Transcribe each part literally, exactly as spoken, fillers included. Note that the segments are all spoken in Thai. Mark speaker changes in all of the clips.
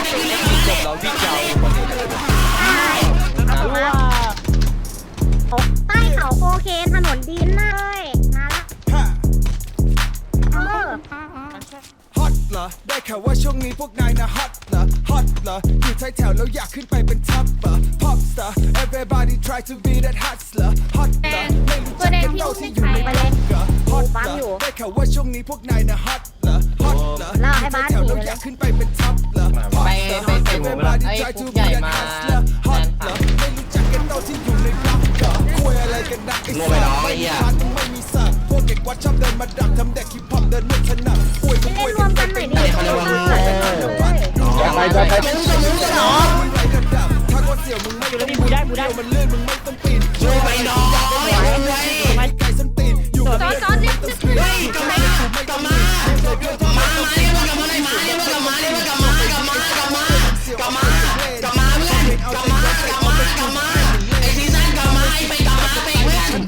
Speaker 1: เราที่ยาวคนนี้เลยนะว่า
Speaker 2: ใต้เขาโคเคนถนนดินเลยมาละเออ
Speaker 3: ฮอตเหรอได้ข่าวว่าช่วงนี้พวกนายนะฮอตเหรอฮอตเหรออยู่ท้ายแถวแล้วอยากขึ้นไปเป็นท็อปเหรอ pop star everybody try to be that hustler ฮอตเหรอไม่รู้จักกันเท่าที่อยู่ในบล็อกเหรอฮอตเหรอได้ข่าวว่าช่วงนี้พวกนายนะฮอตเหรอฮอตเหรออยู่ท้ายแถวแล้วอยากขึ้นไปเป็นท็อปเหรอ
Speaker 1: ไปไปใส่หมูไปไอ้คุกใหญ่มา
Speaker 3: ฮอตเหรอไม่รู้จักกันเท่าที่อยู่ในบล็อกเหรอคุยอะไรกันนะไอ้สัตว์ไม่มีพันไม่มีสัตว์พวกเด็กวัดชอบเดินมาดักทำเด็กฮิปฮอปเดินไม่ถนัดป่วยก็ป่วยกันไปเป็นไปเขาเรียกว่าไปไปไปมึงจะมึงจะหนอถ้าก็เสี่ยวมึงไม่ต้องบูได้บูได้มันเลื่อนมึงไม่ต้องปีนช่วยไปน้องไปไก่ส้นตีนอยู่กับจอดเนี่ยเฮ้ยกลับมากลับมากลับมามาเรียกว่ากลับมาเลยมาเรียกว่ากลับมาเรียกว่ากลับมากลับมากลับมากลับมากลับมาเพื่อนกลับมากลับมากลับมาไอซีซั่นกลับมาไอไปกลับมาไปเพื่อน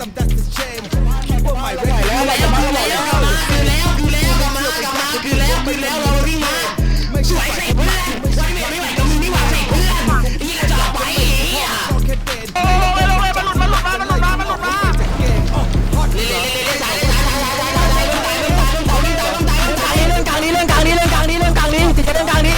Speaker 3: แล้วแล้วแล้วแล้วคือแล้วคือแล้วกลับมากลับมาคือแล้วคือแล้วเราวิ่งมาสวยสิเพื่อนสวยไม่ไหวก็มึงไม่ไหวสิเพื่อนยิ่งจะไปโอ้ยลงเลยมันหลุดมันหลุดมามันหลุดมามันหลุดมาเล่นเล่นเล่นสายสายสายสายสายสายสายเรื่องตายเรื่องตายเรื่องตายเรื่องตายเรื่องตายเรื่องกลางนี้เรื่องกลางนี้เรื่องกลางนี้เรื่องกลางนี้ติดกันเรื่องกลางนี้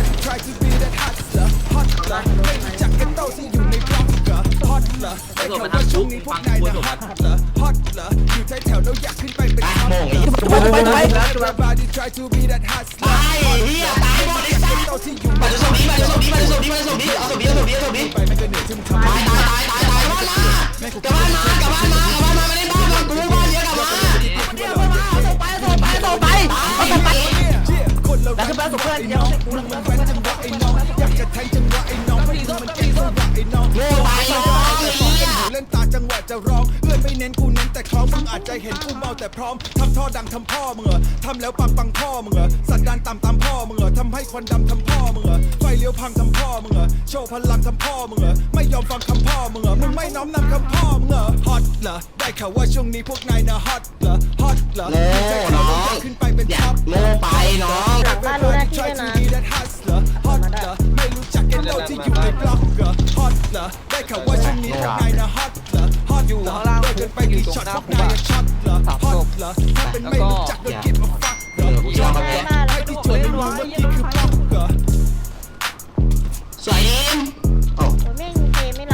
Speaker 1: มันทำช่วงนี้พวกนายนะฮอตเหรอฮอตเหรออยู่ท้ายแถวแล้วอยากขึ้นไปเป็นท็อปเหรอไปไปไปไปตายเฮียตายหมดไอ้สัสมาจะส่งดีมาจะส่งดีมาจะส่งดีมาจะส่งดีเอาส่งดีเอาส่งดีเอาส่งดีไปไม่เกินเหนื่อยที่มึงทำตายตายตายตายตายกลับบ้านมากลับบ้านมากลับบ้านมากลับบ้านมาไม่ได้บ้านมากูบ้านเยอะกลับมาเดี๋ยวมาเอาส่งไปส่งไปส่งไปเอาส่งไปแล้วคือบ้านส่งเพื่อนเดียวกูมึงมันจังหวะไอ้น้องอยากจะแทงจังหวะไอ้น้องมันมันเก่งจังหวะไอ้น้องโง่ไปน้องเล่นตาจังหวะจะร้องเอื้อนไม่เน้นกูเน้นแต่คล้องมึงอาจจะเห็นกูเมาแต่พร้อมทำท่อดังทำพ่อมึงเหรอทำแล้วปังปังพ่อมึงเหรอสันดานต่ำตามพ่อมึงเหรอทำให้ควันดำทำพ่อมึงเหรอไฟเลี้ยวพังทำพ่อมึงเหรอโชว์พลังทำพ่อมึงเหรอไม่ยอมฟังคำพ่อมึงเหรอมึงไม่น้อมนำคำพ่อมึงเหรอฮอตเหรอได้ข่าวว่าช่วงนี้พวกนายนะฮอตเหรอฮอตเหรอโง่น้องขึ้นไปเป็นท็อปโง่ไปน้อง
Speaker 2: หลังบ้านรู้หน้าที่ด้วยนะ
Speaker 3: ฮอตเหรอไม่รู้จักกันเราที่อยู่ในบล็อกเหรอฮอตเหรอได้ข่าวว่าช่วงนี้พวกนายนะฮอตเหรอฮอตเหรอเดินไปกี่ช็อตพวกนายช็อตเหรอฮอตเหรอถ้าเป็นไม่รู้จักโดนกินมาฟักเหรอช็อตเหรอให้ที่จุดไม่รู้ว่าที่คือบล็อกเหรอ
Speaker 1: สวยดิม
Speaker 2: โอ้ไม่เกมไม่ล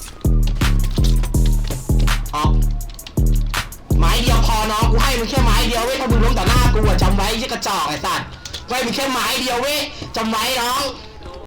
Speaker 1: ำออกไม้เดียวพอน้องกูให้มึงแค่ไม้เดียวเว้ยถ้ามึงล้มต่อหน้ากูอะจำไว้ยี่กระจอกไอ้สัตว์ไว้มึงแค่ไม้เดียวเว้ยจำไว้น้อง